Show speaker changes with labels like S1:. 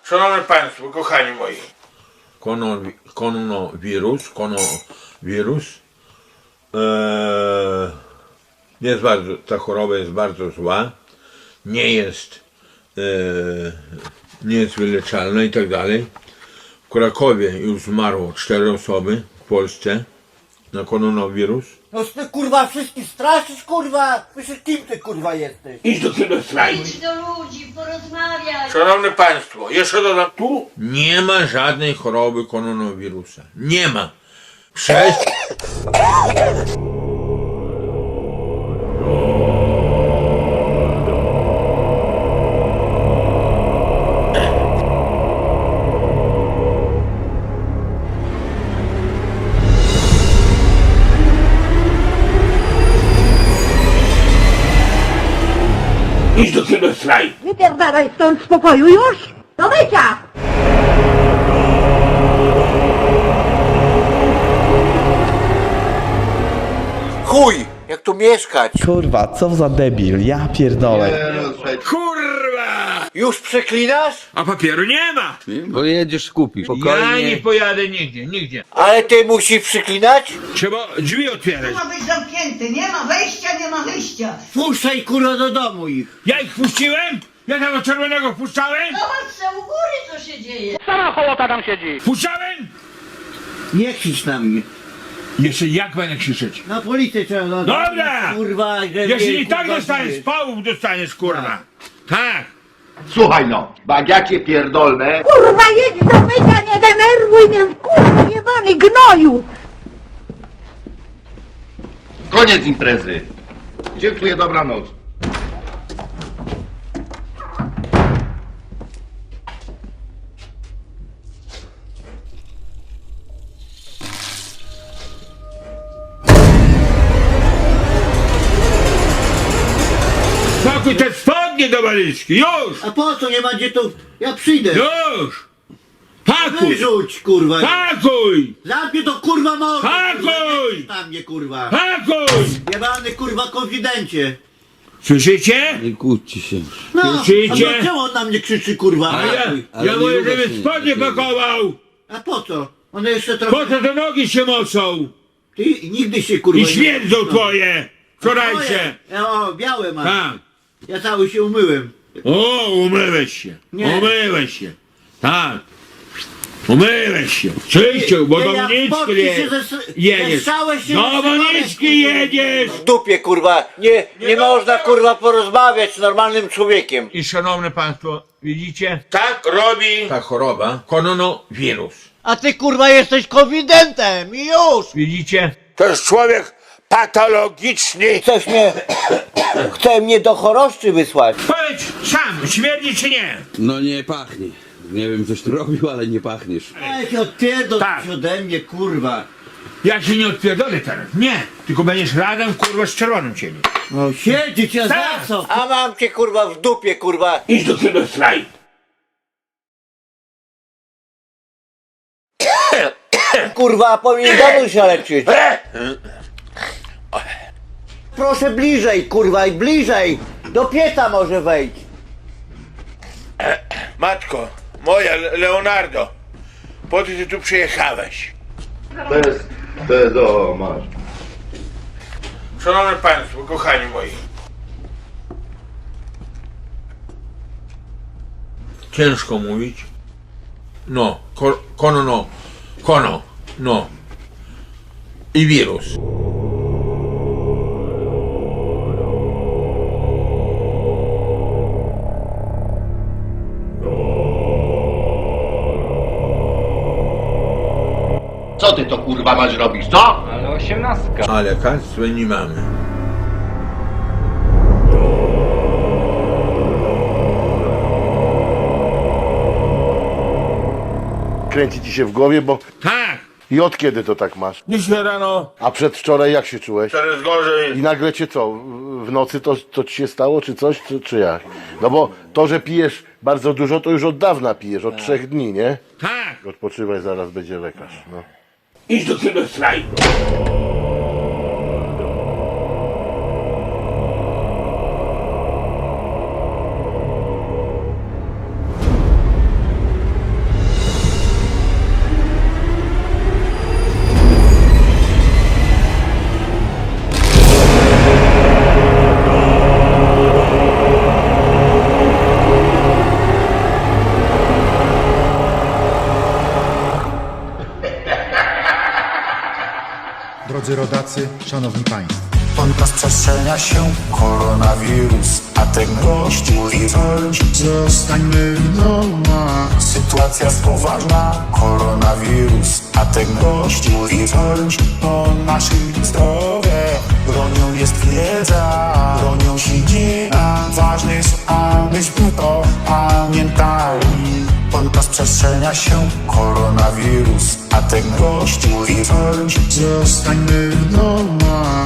S1: Szanowni Państwo, kochani moi.
S2: Koronawirus. Jest bardzo, ta choroba jest bardzo zła. Nie jest wyleczalna i tak dalej. W Krakowie już zmarło 4 osoby w Polsce na koronawirus.
S3: No ty kurwa wszystkich straszysz kurwa? Myślisz kim ty kurwa jesteś?
S1: Idź do tego slajdu.
S4: Idź do ludzi, porozmawiaj.
S1: Szanowni Państwo, jeszcze dodam tu.
S2: Nie ma żadnej choroby koronawirusa. Nie ma. Przez...
S1: Idź do tego slajdu.
S5: Wypierdalaj stąd z pokoju już! Do mycia!
S3: Chuj! Jak tu mieszkać?
S6: Kurwa, co za debil, ja pierdolę.
S1: Kurwa!
S3: Już przeklinasz?
S1: A papieru nie ma.
S7: Bo jedziesz kupisz.
S1: Ja nie
S7: Spokojnie.
S1: pojadę nigdzie.
S3: Ale ty musisz przyklinać?
S1: Trzeba drzwi otwierać.
S8: Ma być zamknięty, nie ma wejścia, nie ma wyjścia.
S3: Puszczaj kurwa do domu ich!
S1: Ja ich puściłem? Ja tego czerwonego wpuszczałem?
S4: Zobacz se u góry, co się dzieje.
S1: Wpuszczałem?
S3: Nie krzycz na mnie.
S1: Jeszcze jak będę krzyczeć?
S3: Na policję trzeba dodać.
S1: Dobra!
S3: Kurwa, że
S1: Jeśli
S3: mnie,
S1: i tak
S3: kurwa,
S1: dostaniesz,
S3: bijesz.
S1: pałów dostaniesz, kurwa. Tak.
S9: Słuchaj no, jak ja cię pierdolę,
S5: Kurwa, jedź do mycia, nie denerwuj mnie, kurwa, jebany gnoju!
S9: koniec imprezy. Dziękuję, dobranoc.
S1: Pakuj te spodnie do walizki, już!
S3: A po co nie ma gdzie tu? Ja przyjdę.
S1: Już! Pakuj!
S3: Wyrzuć kurwa.
S1: Pakuj!
S3: Zamknij to kurwa mordę.
S1: Pakuj!
S3: Na mnie kurwa.
S1: Pakuj!
S3: Jebany kurwa konfidencie.
S1: Słyszycie?
S7: Nie kłóćcie się.
S3: No,
S1: Słyszycie?
S3: a czemu on na mnie krzyczy kurwa?
S1: A ja
S7: Ale nie
S1: mówię,
S7: ruszaj
S1: żeby
S7: się,
S1: spodnie
S7: takiego.
S1: pakował!
S3: A po co? One jeszcze
S1: Po
S3: trochę...
S1: co te nogi się mocą?
S3: Ty nigdy się kurwa
S1: I
S3: nie-
S1: śmierdzą
S3: No.
S1: twoje! Wczorajsze!
S3: O, białe mam.
S1: Tak.
S3: Ja cały się umyłem.
S1: O, umyłeś się!
S3: Nie.
S1: Umyłeś się! Tak! Umyłeś się! Czyścił, bo
S3: Nie,
S1: do
S3: ja
S1: Moniczki
S3: spotki się
S1: jedziesz!
S3: zesrałeś się,
S1: Do
S3: zesrałeś,
S1: Moniczki
S3: kurwa.
S1: jedziesz!
S3: W dupie kurwa. Nie można kurwa porozmawiać z normalnym człowiekiem.
S1: I szanowne państwo, widzicie? Tak robi!
S2: Ta choroba, koronawirus.
S3: A ty kurwa jesteś konfidentem i już!
S1: Widzicie? To jest człowiek patologiczny!
S3: Chce mnie do choroszczy wysłać.
S1: Powiedz sam, śmierdzi czy nie?
S7: No nie pachnie. Nie wiem coś tu robił, ale nie pachniesz.
S3: Ej, odpierdol
S1: Tak.
S3: się ode mnie kurwa.
S1: Ja się nie odpierdolę teraz, nie! Tylko będziesz razem kurwa z czerwonym cieniem.
S3: No siedzieć ja
S1: Tak.
S3: za co? A mam cię kurwa w dupie kurwa.
S1: Idź do tego slajdu!
S3: Kurwa, powinien domu się leczyć. Proszę bliżej kurwa i bliżej. Do pieca może wejść.
S1: Matko, moja Leonardo, po co ty tu przyjechałeś?
S9: O, masz.
S1: Szanowni państwo, kochani moi.
S2: Ciężko mówić. No, no. I wirus.
S9: Co ty to kurwa masz robić, co?
S2: A lekarstwa nie mamy.
S10: Kręci ci się w głowie, bo...
S1: Tak!
S10: I od kiedy to tak masz?
S1: Dzisiaj rano,
S10: A przedwczoraj jak się czułeś?
S1: teraz gorzej.
S10: I nagle cię co? W nocy to ci się stało, czy coś, czy jak? No bo to, że pijesz bardzo dużo, to już od dawna pijesz, od 3 dni, nie?
S1: Tak!
S10: Odpoczywaj, zaraz będzie lekarz, no.
S1: Idź do tego slajdu!
S11: drodzy rodacy, szanowni państwo.
S12: Rozprzestrzenia się koronawirus, a ten gość mówi coś. Zostańmy w domach. Sytuacja jest poważna, koronawirus, a ten gość mówi coś o naszym zdrowiu. Bronią jest wiedza, bronią się dzieje, a ważne jest, abyśmy to pamiętali. Rozprzestrzenia się koronawirus, a ten gość mówi coś. Zostańmy w domach.